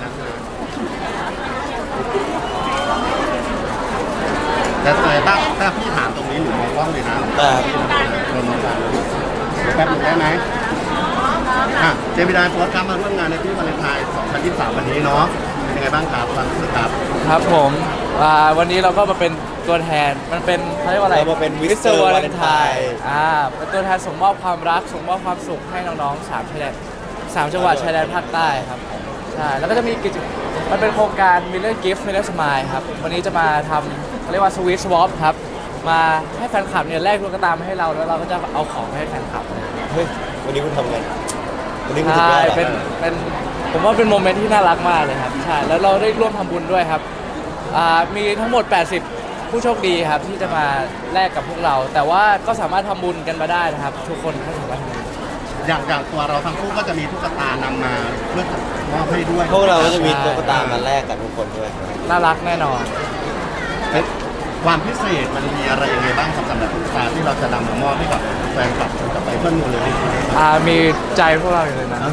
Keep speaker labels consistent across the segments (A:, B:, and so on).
A: แต่ถ้าพี่ถามตรงนี้หนูมองกล้องเลยนะเริ่มจากแป๊บนึงได้ไหมเจมินายโพสต์ครับมาร่วมงานในที่วาเลนไทน์2023วันนี้เนาะเป็นยังไงบ้างครับความรู้สึกครับ
B: ครับผมวันนี้เราก็มาเป็นตัวแทนมันเป็นเขาเรียกว่าอะไร
C: เรามาเป็นมิสเตอร์วาเลนไทน์
B: เป็นตัวแทนส่งมอบความรักส่งมอบความสุขให้น้องๆ3 จังหวัดชายแดนภาคใต้ครับใช่แล้วก็จะมีมันเป็นโครงการ Miller Gift Miller Smile ครับวันนี้จะมาทำเขาเรียกว่า Sweet Swap ครับมาให้แฟนคลับเนี่ยแลกตุ๊กตามาให้เราแล้วเราก็จะเอาของไปให้แฟนคลับ
C: เฮ้ยวันนี้คุณทำไงวันนี้คุณ
B: ใช่เป็นผมว่าเป็นโมเมนต์ที่น่ารักมากเลยครับใช่แล้วเราได้ร่วมทำบุญด้วยครับมีทั้งหมด80ผู้โชคดีครับที่จะมาแลกกับพวกเราแต่ว่าก็สามารถทำบุญกันมาได้นะครับทุกคนก็สามารถทำบุญ
A: อย่างตัวเราทั้งคู่ก็จะมีตุ๊กตานำมาเพื่อมอบให้ด้วย
C: พวกเราก็จะมีตุ๊กตามาแลกกับทุกคนด้วย
B: น่ารักแน่นอน
A: ความพิเศษมันมีอะไรยังไงบ้างสำหรับตุ๊กตาที่เราจะนำมามอบให้กับแฟนคลับกับเพื่อนมูลเลย
B: มีใจพวกเราอยู่เลยนะ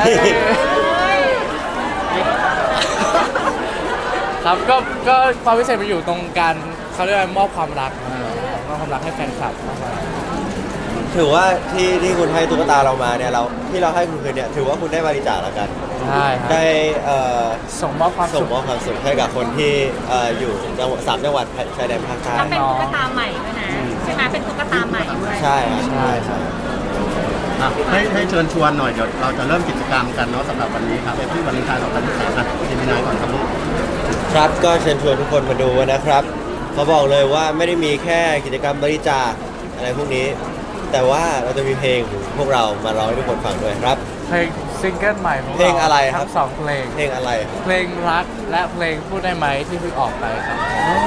B: ครับก็ความพิเศษมันอยู่ตรงการเขาเรียกว่ามอบความรักให้แฟนคลับ
C: ถือว่าที่คุณให้ตุ๊กตาเรามาเนี่ยที่เราให้คุณคืนเนี่ยถือว่าคุณได้บริจาคแล้วกัน
B: ใช่
C: ได้
B: ส่งมอบความ
C: สุขให้กับคนที่อยู่3 จังหวัดชายแดนภาคใต้
D: เป็นตุ๊กตาใหม่ด้วยนะใช่ไหมเป็นตุ๊กตาใหม่ด้วย
C: ใช่
A: ให้เชิญชวนหน่อยเดี๋ยวเราจะเริ่มกิจกรรมกันเนาะสำหรับวันนี้ครับที่วาเลนไทน์2023เจมินายก่อนครับลูก
C: ครับก็เชิญชวนทุกคนมาดูนะครับเขาบอกเลยว่าไม่ได้มีแค่กิจกรรมบริจาคอะไรพวกนี้แต่ว่าเราจะมีเพลงพวกเรามาร้องให้ทุกคนฟังด้วยครับ
B: เพลงซิงเกิลใหม่ของเรา
C: เพลงอะไรครับ
B: ทั้ง2 เพลง
C: เพลงอะไร
B: เพลงรักและเพลงพูดได้ไหมที่เพิ่งออกไปครับ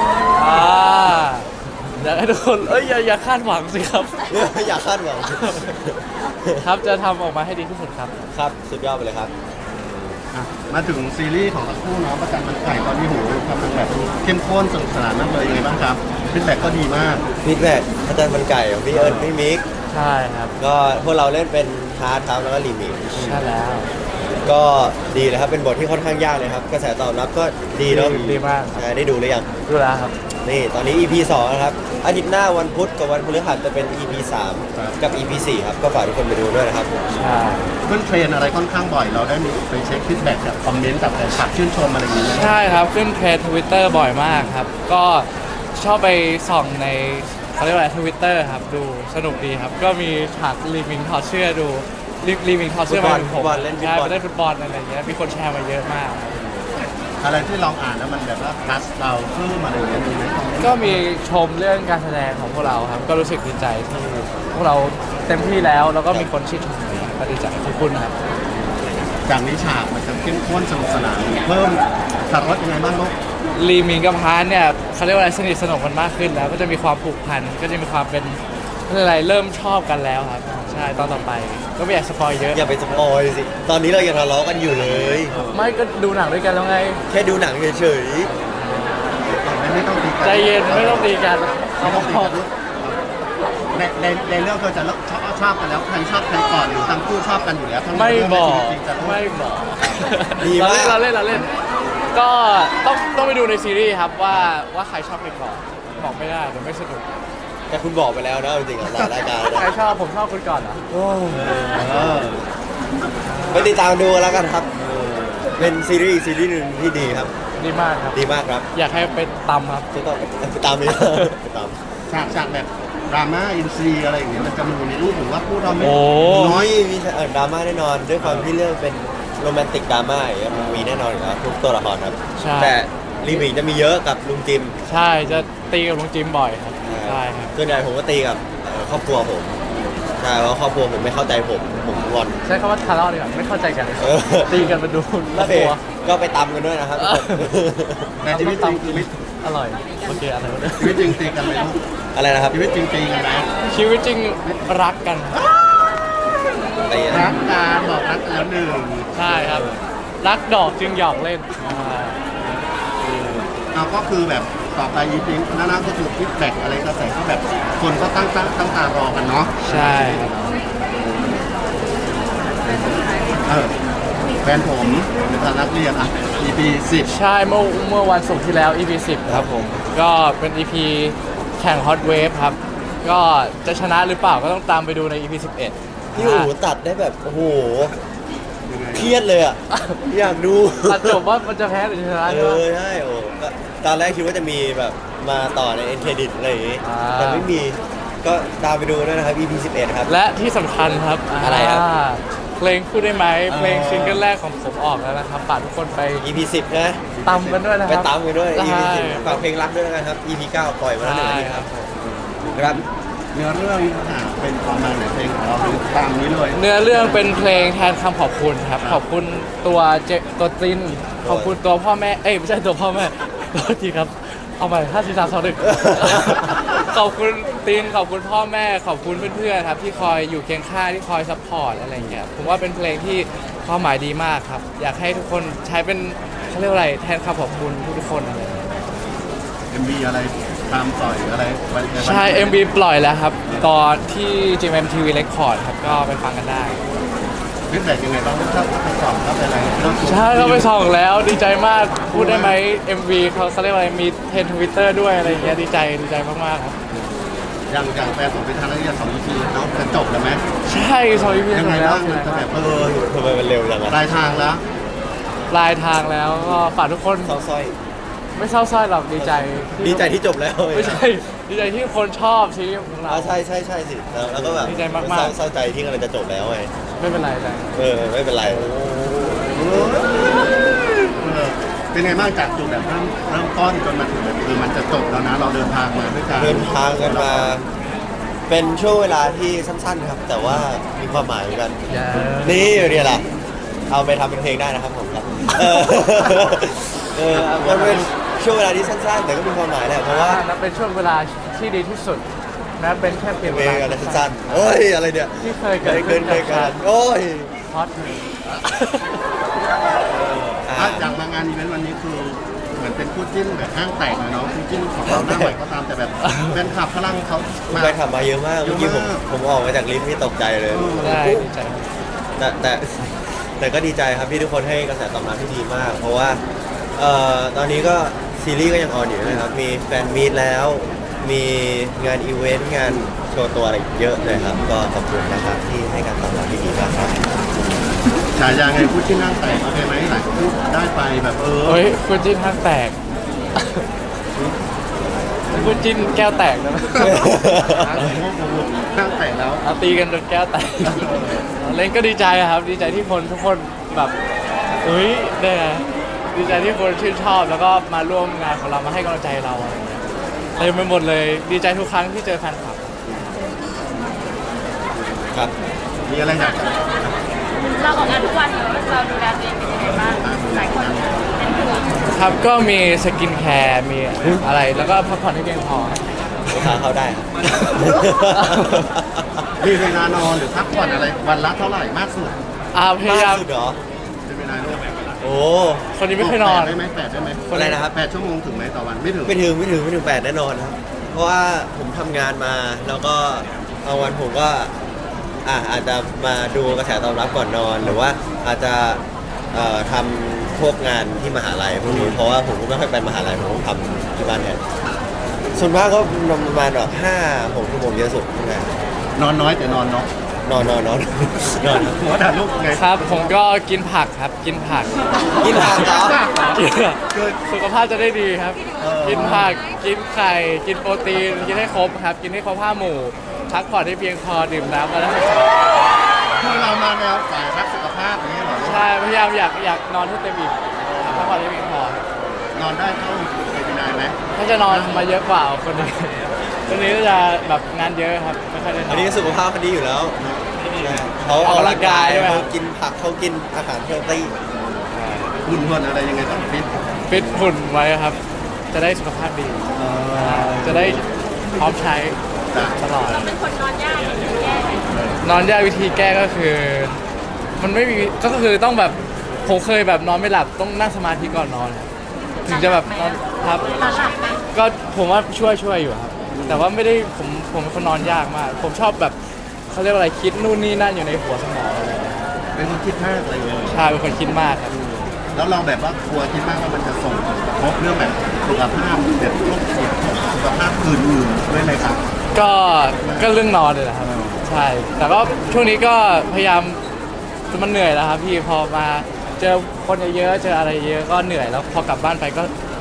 B: อยากให้ทุกคนอย่าคาดหวังสิครับ
C: อย่าคาดหวัง
B: ครับจะทำออกมาให้ดีที่สุดครับ
C: ครับสุดยอดไปเลยครับ
A: มาถึงซีรีส์ของทั้งคู่เนาะประจันมันไก่ตอนนี้หูกำลังแบบเข้มข้นสนุกสนานมากเลยยังไงบ้างครับฟีดแบ็กก็ดีมาก
C: ฟีดแบ็กอาจารย์มันไก่ของพี่เอิญพี่มิก
B: ใช่ครับ
C: ก็พวกเราเล่นเป็นฮาร์ดครับแล้วก็รีมิก
B: ใช่แล้ว
C: ก็ดีเลยครับเป็นบทที่ค่อนข้างยากเลยครับกระแสตอบรับก็ดีเนาะ
B: ดีมาก
C: ได้ดูหรือยัง
B: ดูแล้วครับ
C: นี่ตอนนี้ EP 2นะครับอาทิตย์หน้าวันพุธกับวันพฤหัสจะเป็น EP 3กับ EP 4ครับก็ฝากทุกคนไปดูด้วยนะครับ
B: ใช่
A: ขึ้นเทรนอะไรค่อนข้างบ่อยเราได้มีไปเช็คฟีดแบ็กจากคอมเมนต์จากแฟนคลับชื่นชมอะไรอย่างเงี้ย
B: ใช่ครับขึ้นเทรน Twitter บ่อยมากครับก็ชอบไปส่องในเขาเรียกว่า Twitter ครับดูสนุกดีครับก็มีฉากรีมิงถอดเสื้อดูรีมิงถอดเสื้อมา
C: ผมเล่น
B: ฟุตบอลอะไรอย่างเงี้ยมีคนแชร์มาเยอะมาก
A: อะไรที่ลองอ่านแล้วมันแบบว่าทัชเราเพิ่มอะไรอย่างเงี้ยมีไหม
B: ก็มีชมเรื่องการแสดงของพวกเราครับก็รู้สึกดีใจที่พวกเราเต็มที่แล้วก็มีคนชื่นชมก็ดีใจขอบคุณครับ
A: จากนี้ฉากมันจะเข้มข้นสนุกสนานเพิ่มสัดรสยังไงบ้างลูก
B: ลีมิงกับพานเนี่ยเขาเรียกว่าอะไรสนิทสนมกันมากขึ้นแล้วก็จะมีความผูกพันก็จะมีความเป็นอะไรเริ่มชอบกันแล้วครับใช่ตอนต่อไปก็ไม่อยากสปอยเยอะ
C: อย่าไปสปอยสิตอนนี้เรายังทะเลาะกันอยู่เลย
B: ไม่ก็ดูหนังด้วยกันแล้วไง
C: แค่ดูหนังเฉย
A: ๆไม่ต้องตีกัน
B: ใจเย็นไม่ต้องตีกัน
A: เขาบอกในเรื่องเธอจะชอบกันแล้วใครชอบใครก่อนหรือทั้งคู่ชอบกันอยู่แล้ว
B: ไม่บอก
C: ดีมาก
B: เราเล่นก็ต้องไปดูในซีรีส์ครับว่าใครชอบใครก่อนบอกไม่ได้เดี๋ยวไม่สนุก
C: แต่คุณบอกไปแล้วนะจริงๆหลายรายการ
B: ใครชอบผมชอบคุณก่อนเหรอ
C: ไปติดตามดูแล้วกันครับเป็นซีรีส์หนึ่งที่ดีครับ
B: ดีมากครับ
C: ดีมากครับ
B: อยากให้ไปตามครับ
C: จะต้องไปตามนี้ไปตาม
A: ฉากแบบดราม่าอินซีอะไรอย่างเงี้ยมันจะมีในรูปหรือว่าพูดเราไม่
C: น้อยมีดราม่าแน่นอนด้วยความที่เรื่องเป็นโรแมนติกดราม่ามีแน่นอนอยู่แล้วทุกตัวละครครับแต่รีมิกจะมีเยอะกับลุงจิม
B: ใช่จะตีกับลุงจิมบ่อยครับใช่ครับ
C: ส่วนใหญ่ผมก็ตีกับครอบครัวผมใช่เพราะครอบครัวผมไม่เข้าใจผมงอน
B: ใช้คำว่าทะเลาะดีกว่าไม่เข้าใจกันตีกันมาดูน่ากลัว
C: ก็ไปตำกันด้วยนะครับ
A: ในชีวิตจริง
B: อร่อยโอเคอะไรวะ
A: ชีวิตจริงตีกันไหม
C: อะไรนะครับ
A: ชีวิตจริงตีกันไหม
B: ชีวิตจริงรักกัน
A: รักกันบอกรักแล้วหนึ่ง
B: ใช่ครับรักดอกจึงหยอกเล่น
A: ก็คือแบบต่อไปยิ้มน่าก็คือฟีดแบ็กอะไรกระแสก็แบบคนก็ตั้งตารอกันเนาะ
B: ใช่
A: ถฟนผมเป็นนักเรียนอ่ะ EP 10
B: ใช่เมื่อวันศุกร์ที่แล้ว EP 10ครับผมก็เป็น EP แข่ง Hot Wave ครับก็จะชนะหรือเปล่าก็ต้องตามไปดูใน EP 11
C: พี่อู๋ตัดได้แบบโอ้โหเครียดเลยอ่ะ อยากดู
B: ตัดจบว่ามันจะแพ้หรือชนะ
C: เอ
B: ใช่ไหม
C: อใช่โอ้ก็ตอนแรกคิดว่าจะมีแบบมาต่อในเอ็นเครดิตอะไรอย่างงี้
B: อ่า
C: แต่ไม่มีก็ตามไปดูด้วยนะครับ EP 11 ครับ
B: และที่สำคัญครับ
C: อะไรครับ
B: เพลงพูดได้ไหม
C: อ๋อ
B: เพลงซิงเกิลแรกของผมออกแล้วนะครับฝากทุกคนไป
C: EP 10 นะ
B: ตำกันด้วยนะค
C: ไป
B: รับ
C: ตามกันด้วย EP
B: ใช่
C: 10ฝากเพลงรักด้วยนะครับ EP 9 ปล่อยมาแล้วหนึ่งอาทิตย์ครับครับ
A: เนื้อเรื่องเป็นประมาณไหนเพลงของเราคือตามนี้เลย
B: เนื้อเรื่องเป็นเพลงแทนคำขอบคุณครับ ขอบคุณตัวตัวจินขอบคุณตัวพ่อแม่เอ้ยไม่ใช่ตัวพ่อแม่ตัวจีครับเอาใหม่5 4 3 2 1 ขอบคุณตินขอบคุณพ่อแม่ขอบคุณเพื่อนๆครับที่คอยอยู่เคียงข้างที่คอยซัพพอร์ตอะไรอย่างเงี้ยผมว่าเป็นเพลงที่ความหมายดีมากครับ อยากให้ทุกคนใช้เป็นเขาเรียกว่าอะไรแทนคำขอบคุณทุกๆคนอะไรอย่างเงี้ย
A: MV อะไรตามต่อยอะไรวัน
B: ใช่ MV ปล่อยแล้วครับ ตอนที่ GMMTV Record ครับก็ไปฟังกันได้
A: ฟีดแบ็กยังไงบ้างถ้าไปสอบถ้าไปอะไรเรื่อง
B: ใช่เขาไปส่องแล้วดีใจมากพูดได้ไหม MV เขาเรียกว่าอะไรมีเทรนทวิตเตอร์ด้วยอะไรอย่างเงี้ยดีใจมากๆครับ
A: อย่างแฟนผมเป็นทางนักเรียน2 EP เนาะจะจบแล้วไหม
B: ใช่สอง EP
A: ยังไง
B: แล้ว
A: บ้างมันจะแบบ
C: ทำไมมันเร็วจังอะ
A: ปลายทางแล้ว
B: ปลายทางแล้วก็ฝากทุกคน
C: เศร้าสร้อย
B: ไม่เศร้าส้อยหรอกดีใจ
C: ดีใจที่จบแล้ว
B: ไม่ใช่ดีใจที่คนชอบซีรีส์ของเรา
C: ใช่สิแล้วก็แบบ
B: ดีใจมากๆ
C: เศร้าใจที่กำลังจะจบแล้วไง
B: ไม่เป็นไรแต่
C: ไม่เป็นไร
A: เป็นไงบ้างจากจุดแบบเริ่มต้นจนมาถึงแบบมันจะจบแล้วนะเราเดินทางมาด้วยกัน
C: เดินทางกันมา เป็นช่วงเวลาที่สั้นๆครับ แต่ว่ามีความหมายเหมือนกัน
B: อย่า
C: นี่เรียนล่ะ เอาไปทำเป็นเพลงได้นะครับผมครับ มันเป็นช่วงเวลาที่สั้นๆ แต่ก็มีความหมายแหละเพราะว่า
B: นับเป็นช่วงเวลาที่ดีที่สุดนะเป็นแค่เพียง
C: เพ
B: เว
C: ล
B: ลาง
C: อะไรสั้นๆเอ้ยอะไรเนี่ย
B: ที่เคยเกิด
C: เกิ
B: ขึ้
C: น
B: น
C: เคยกันโอ้ย
B: ฮอต
A: จากมางานอีเวนต์วันนี้คือเหมือนเป็นคู่จิ้นแบบห้างแตกเลยเนาะคู่จิ้นของเราหน้าใหม่ก็ตามแต่แบบแฟนคลับพลังเขามา
C: ไปขับมาเยอะมาก
A: เย
C: เมื่
A: อะ
C: อกี้ผม
A: มาก
C: ผมออกมาจากลิฟต์นี่ตกใจเลย
B: ได้ดีใจ
C: แต่ก็ดีใจครับที่ทุกคนให้กระแสตอบรับที่ดีมาก เพราะว่าตอนนี้ก็ซีรีส์ก็ยังออนอยู่นะครับ มีแฟนมีตแล้ว มีงานอีเวนต์งานโชว์ตัวอะไรเยอะเลยครับ ก็ขอบคุณนะครับที่ให้การตอบรับที่ดีมากครับ
A: ฉายาไงคู่จิ้นห้างแตกโอเคไหมหลายคู่ได้ไปแบบ
B: เฮ้ยคุณจิ้นห้างแตกคุณจิ้นแก้วแตกนะ
A: ห้างแตกแล้ว
B: เอาตีกันจนแก้วแตกเล่นก็ดีใจอะครับ ดีใจที่คนทุกคนแบบเฮ้ยเนี่ยดีใจที่คนชื่นชอบแล้วก็มาร่วมงานของเรามาให้กำลังใจเราอะไรอย่างเงี้ยเต็มไปหมดเลยดีใจทุกครั้งที่เจอแฟนคลับ
C: ครับ
A: มีอะไรอยากจะ
D: เราออกงานทุกวันเราดูแลตัวเองเป็นยังไงบ้างหลายคนเป็นห่วง
B: ครับก็มีสกินแคร์มีอะไรแล้วก็พักผ่อนให้เพียงพอ
C: ลูกค้าเข้าได้ครับ
A: มีเวลานอนหรือพักผ่อนอะไรวันละเท่าไหร่มากสุด
B: พยายาม
C: สุดเหรอ
A: เป็นเวลาลูก
C: โอ้
B: คนนี้ไม่เคยนอน
A: ได้ไหม8ได้ไหม
C: อะไรนะครับ
A: 8 ชั่วโมงถึงไหมต่อวันไม่ถึง
C: ไม่ถึง8แน่นอนครับ เพราะว่าผมทำงานมาแล้วก็บางวันผมก็อาจจะมาดูกระแสตอบรับก่อนนอน หรือว่าอาจจะทำพวกงานที่มหาลัยพวกนี้เพราะว่าผมก็ไม่ค่อยไปมหาลัยผมทำที่บ้านแทนส่วนมากก็ประมาณแบบ5-6 ชั่วโมงเยอะสุดทำงาน
A: นอนน้อยแต่นอนเนาะ
C: นอนครับ
A: หัวด่าลูกไง
B: ครับ ผมก็กินผักครับกินผัก
C: กินผักเหรอ
B: สุขภาพจะได้ดีครับ กินผักกินไข่กินโปรตีนกินให้ครบครับ กินให้ครบ5 หมู่พักผ่อนให้เพียงพอดื่มน้ำวันละ
A: คือเรามาแนวสายรักสุขภาพอย่างนี้เหรอ
B: ใช่พยายามอยากนอนให้เต็มอิ่มพักผ่อนให้เพียงพอน
A: อนได้เท่าเป็นนายไหม
B: ถ้าจะนอนมาเยอะกว่าคนนี้คนนี้จะแบบงานเยอะครับไม่ค่อยได้นอน
C: อันนี้สุขภาพเขาดีอยู่แล้วเขา
B: ออกกำลังกายด้วย
C: เขากินผักเขากินอาหารเฮลตี้
A: หุ่นเหินอะไรยังไงต้องฟิต
B: ฟิตหุ่นไว้ครับ จะได้สุขภาพดี จะได้พร้อมใช้
A: จ้ะ
B: ตลอด
D: เราเป็นคนนอนยากหรือแย่
B: นอนยากวิธีแก้ก็คือ มันไม่มีก็คือต้องแบบผมเคยแบบนอนไม่หลับต้องนั่งสมาธิก่อนนอนครับถึงจะแบบนอนครับ
D: นอนหลับไหม
B: ก็ผมว่าช่วยอยู่ครับ แต่ว่าไม่ได้ผมเป็นคนนอนยากมาก ผมชอบแบบเขาเรียกว่าอะไรคิดนู่นนี่นั่นอยู่ในหัวสมองอะไรอย่างเงี้ย
A: เป็นคนคิดมากอะไรเลย
B: ใช่เป็นคนคิดมากครับ
A: แล้วเราแบบว่ากลัวคิดมากว่ามันจะส่งผลกระทบเรื่องแบบสุขภาพแบบโรคเสียสุขภาพอื่นๆด้วยไหมครับ
B: ก็เรื่องนอนเลยแหละครับใช่แต่ก็ช่วงนี้ก็พยายามคือมันเหนื่อยแล้วครับพี่พอมาเจอคนเยอะๆเจออะไรเยอะก็เหนื่อยแล้วพอกลับบ้านไปก็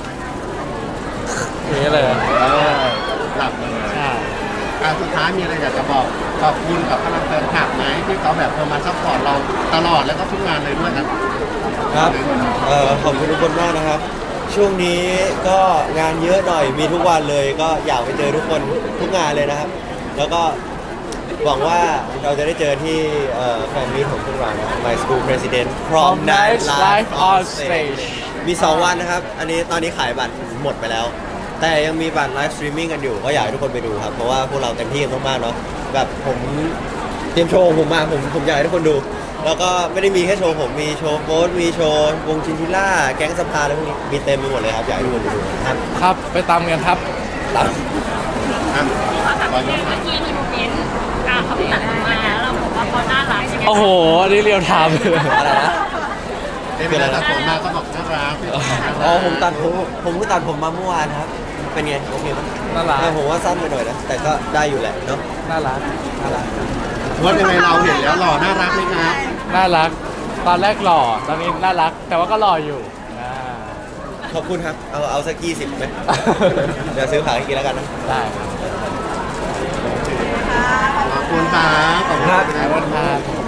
B: อย่างนี้เลย
A: หลับเลย
B: ใช่
A: สุดท้ายมีอะไรอยากจะบอกขอบคุณกับพลังแฟนคลับไหมที่เขาแบบมาซัพพอร์ตเราตลอดแล้วก็ทุกงานเลยด้วยครับ
C: ครับขอบคุณทุกคนมากนะครับ ช่วงนี้ก็งานเยอะหน่อยมีทุกวันเลย ก็อยากไปเจอทุกคนทุกงานเลยนะครับ แล้วก็หวังว่าเราจะได้เจอที่แฟนมีตของพวกเรานะ My School President Prom Night Live on Stage มี 2 วันนะครับ อันนี้ตอนนี้ขายบัตรหมดไปแล้ว แต่ยังมีบัตรไลฟ์สตรีมมิ่งกันอยู่ ก็อยากให้ทุกคนไปดูครับ เพราะว่าพวกเราเต็มที่กันมากๆเนาะแบบผมเตรียมโชว์ของผมมาผมอยากให้ทุกคนดู แล้วก็ไม่ได้มีแค่โชว์ผมมีโชว์โฟสมีโชว์วงชินทิล่าแก๊งสภาอะไรพวกนี้มีเต็มไปหมดเลยครับอยากให้ทุกคนไปดูนะครับ
B: ครับไปตามกันครับ
C: ตาม
D: เขาถามว่าเมื่อกี้มีโมเมนต์เขาไปตัดผมมาแล้วเราบอกว่าเขาน่ารักยังไง
B: โอ้โหอันนี้เรียวไทม์เลย
C: อะไรนะ
A: เวลาตัดผมมาก็บอกน่ารัก
C: อ๋อผมตัดผมเพิ่งตัดผมมาเมื่อวานครับ เป็นไงโอเคไหม
B: น่ารัก
C: ผมว่าสั้นไปหน่อยนะ แต่ก็ได้อยู่แหละเนาะ
B: น่ารักน่ารัก
A: ว่ายังไงเราเห็นแล้วหล่อน่ารักไหมครับ
B: น่ารัก ตอนแรกหล่อตอนนี้น่ารัก แต่ว่าก็หล่ออยู่อ่า
C: ขอบคุณครับ เอาสัก20ไหม เดี๋ยวซื้อผักให้กินแล้วกันนะ
B: ได้
A: ขอบคุณครับขอบคุณ
C: ครับ
B: ขอบคุณครับ